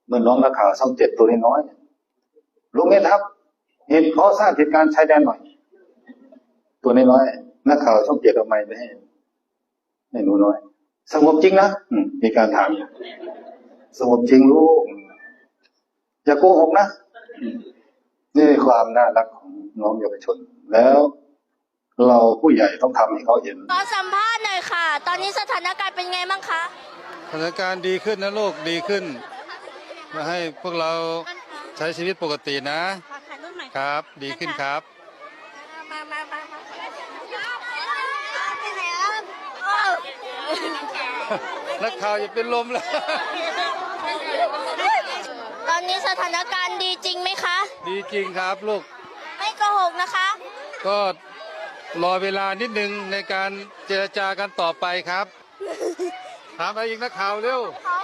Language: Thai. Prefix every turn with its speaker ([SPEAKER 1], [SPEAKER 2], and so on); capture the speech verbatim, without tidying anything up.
[SPEAKER 1] เมื่อน้องนักข่าวช่องเจ็ดตัวน้อยๆลุงเอ็ดครับเหตุขอทราบเหตุการณ์ชายแดนหน่อยตัวน้อยๆนักข่าวช่องเจ็ดเอาไมค์ไปให้ให้หนูน้อยสงบจริงนะมีการถามสงบจริงลูกอย่าโกหกนะนี่ความน่ารักของน้องเยาวชนแล้วเราผู้ใหญ่ต้องทำให้เขาเห็น
[SPEAKER 2] ขอสัมภาษณ์หน่อยค่ะตอนนี้สถานการณ์เป็นไงบ้างคะ
[SPEAKER 3] สถานการณ์ดีขึ้นนะลูกดีขึ้นมาให้พวกเราใช้ชีวิตปกตินะครับดีขึ้นครับ
[SPEAKER 2] มามามา
[SPEAKER 3] นักข่าวอย่าเป็นลมแล้ว
[SPEAKER 2] ตอนนี้สถานการณ์ดีจริงไหมคะ
[SPEAKER 3] ดีจริงครับลูก
[SPEAKER 2] ไม่โกหกนะคะ
[SPEAKER 3] ก็รอเวลานิดนึงในการเจรจากันต่อไปครับถามอะไรอีกนักข่าวเร็ว
[SPEAKER 2] ขอ